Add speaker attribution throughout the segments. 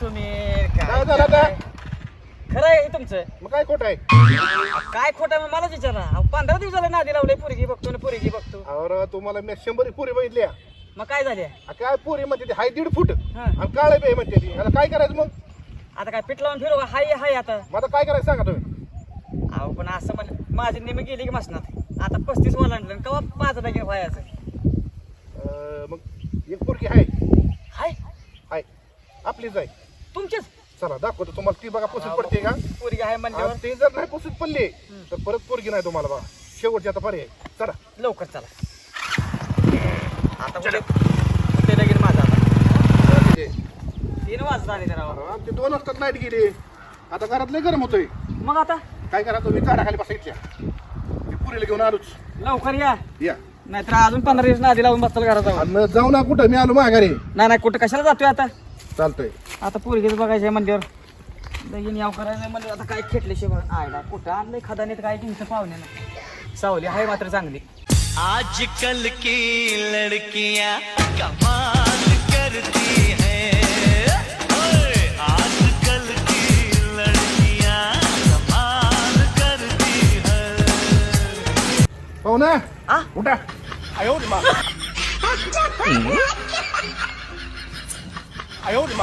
Speaker 1: तुम्ही
Speaker 2: काय झालं आता?
Speaker 1: खरं आहे तुमचं.
Speaker 2: मग काय खोट आहे?
Speaker 1: काय खोटं आहे मलाच विचारा. 15 दिवसाला नादी लावले पोरगी बघतो ना पोरगी बघतो.
Speaker 2: अरे तुम्हाला मी 100 पुरी बघितल्या.
Speaker 1: मग काय झाले?
Speaker 2: काय पुरी म्हणते ती हाय 1.5 फूट
Speaker 1: हा.
Speaker 2: आणि काळे बे म्हणते ती. आता काय करायचं मग?
Speaker 1: आता काय पीठ लावून फिरू हाय हाय आता.
Speaker 2: मग आता काय करायचं सांगा तुम्ही?
Speaker 1: अहो पण असं म्हण माझी नेहमी गेली की मसनात आता 35 ओलांडलं कवा 5 टक्के व्हायचं.
Speaker 2: मग एक पुरगी आहे
Speaker 1: हाय
Speaker 2: हाय आपलीच आहे.
Speaker 1: तुमचीच
Speaker 2: चला दाखवतो तुम्हाला. ती बघा पुसून पडते का?
Speaker 1: पोरगी आहे म्हणल्यावर
Speaker 2: आणि ती जर नाही पुसून पडली तर परत पोरगी नाही तुम्हाला बघा. शेवटची आता पर्याय. चला
Speaker 1: लवकर चला. आता ते लगीन माझा आता 3 वाजता आले जरा.
Speaker 2: ते 2 वाजतात लाईट गेली. आता घरात लय गरम होतोय.
Speaker 1: मग आता
Speaker 2: काय करा तुम्ही झाडाखाली बसायच्या. मी पुरीला घेऊन आलोच.
Speaker 1: लवकर या
Speaker 2: या
Speaker 1: नाहीतर अजून 15 दिवस नादी लावून बसताल घरात जाऊन.
Speaker 2: आणि जाऊ ना कुठं, मी आलो माघारी.
Speaker 1: नाही कुठं कशाला जातोय आता.
Speaker 2: चालतंय.
Speaker 1: आता पोरगीच बघायचंय मंदिर लगीन याव करायचंय म्हणजे आता काय खेटले शिवाय आयला कुठं आणलंय खदानीत काय टिंच पाहुण्यानं. सावली आहे मात्र चांगली.
Speaker 3: आजकल की लड़कियां कमाल करती हैं, ओए आजकल की लड़कियां कमाल करती हैं.
Speaker 2: पाहू ना
Speaker 1: आ?
Speaker 2: उठा. आयो रे मा. आयो रे मा.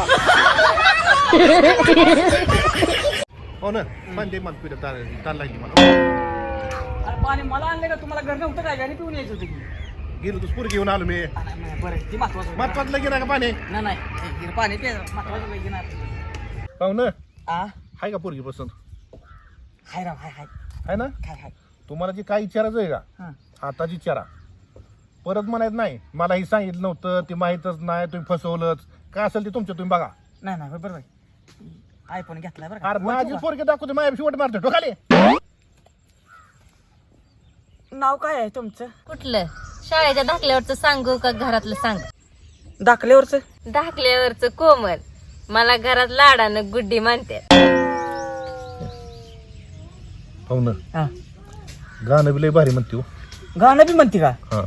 Speaker 2: हो ना म्हणजे मन पिढ तार लागली मला.
Speaker 1: अरे पाणी मला आणले का तुम्हाला घर नव्हतं काय गाणी पिऊन यायचं होतं की.
Speaker 2: गेलो तू पुरी घेऊन आलो मी.
Speaker 1: बरं ती महत्वाचं
Speaker 2: महत्वाचं लगीन आहे का पाणी?
Speaker 1: नाही पाणी ते महत्वाचं लगीन आहे.
Speaker 2: पाहू ना
Speaker 1: आ
Speaker 2: हाय का पोरगी पसंत?
Speaker 1: हाय राव हाय हाय
Speaker 2: आहे ना?
Speaker 1: हाय हाय.
Speaker 2: तुम्हाला जी काय विचारायचं आहे का
Speaker 1: हां
Speaker 2: आताच विचारा. परत म्हणायचं नाही मला ही सांगितलं नव्हतं, ती माहीतच नाही, तुम्ही फसवलंच. काय असेल ते तुमचं तुम्ही बघा.
Speaker 1: नाही बरोबर आयफोन घेतलाय बरं
Speaker 2: अरे
Speaker 1: का.
Speaker 2: माझी पोरगी दाखवते माझ्या शेवट मारतो टोकाले.
Speaker 1: नाव काय आहे तुमचं?
Speaker 4: कुठलं? शाळेच्या दाखल्यावरचं सांगू का घरातलं सांग?
Speaker 1: दाखल्यावरचं.
Speaker 4: दाखल्यावरचं कोमल. मला घरात लाडानं गुड्डी म्हणते.
Speaker 2: हो ना
Speaker 1: हा
Speaker 2: गाणं बी लय भारी म्हणते हो.
Speaker 1: गाणं बी म्हणते का?
Speaker 2: हा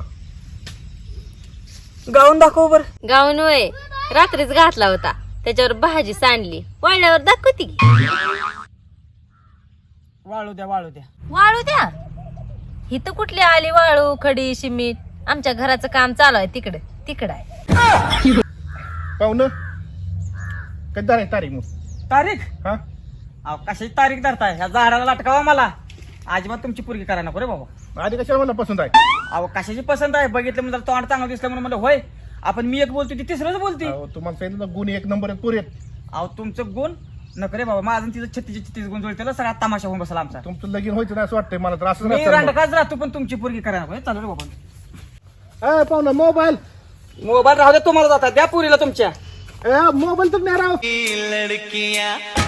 Speaker 1: गाऊन दाखव बर.
Speaker 4: गाऊन होय रात्रीच घातला होता. त्याच्यावर भाजी सांडली. वाळल्यावर दाखवती की.
Speaker 1: वाळू द्या
Speaker 4: वाळू द्या. हिथं कुठली आली वाळू खडी शिमीट. आमच्या घराचं काम चालू आहे तिकडं आहे.
Speaker 2: पाहू ना कधी आहे तारीख मग?
Speaker 1: तारीख.
Speaker 2: हा
Speaker 1: अहो कशाची तारीख धरताय? ह्या झाडाला लटकावा मला. अजिबात तुमची पोरगी करा नको रे बाबा.
Speaker 2: आधी कशाला मला पसंत आहे?
Speaker 1: अहो कशाची पसंत आहे बघितलं म्हणजे तोंड चांगलं दिसलं म्हणून म्हणलं होय. आपण मी एक बोलतो ती तिसरंच बोलती.
Speaker 2: अहो, तुम्हाला सांगितलं ना गुण 1 नंबर आहेत पुरेत.
Speaker 1: अहो तुमचं गुण नको रे बाबा. माझं तिचं 36 गुण जुळते सगळा तमाशा होऊन बसला आमचा.
Speaker 2: तुमचं लगीन व्हायचं नाही असं वाटतंय मला तर. असं
Speaker 1: मी रांडकाच राहतो पण तुमची पोरगी करा नको. चालू रे बाबा.
Speaker 2: पाहू ना मोबाईल.
Speaker 1: मोबाईल राहू दे तुम्हाला जातात द्या पुरीला तुमच्या.
Speaker 2: मोबाईल तर नाही राव.
Speaker 3: लड़कियां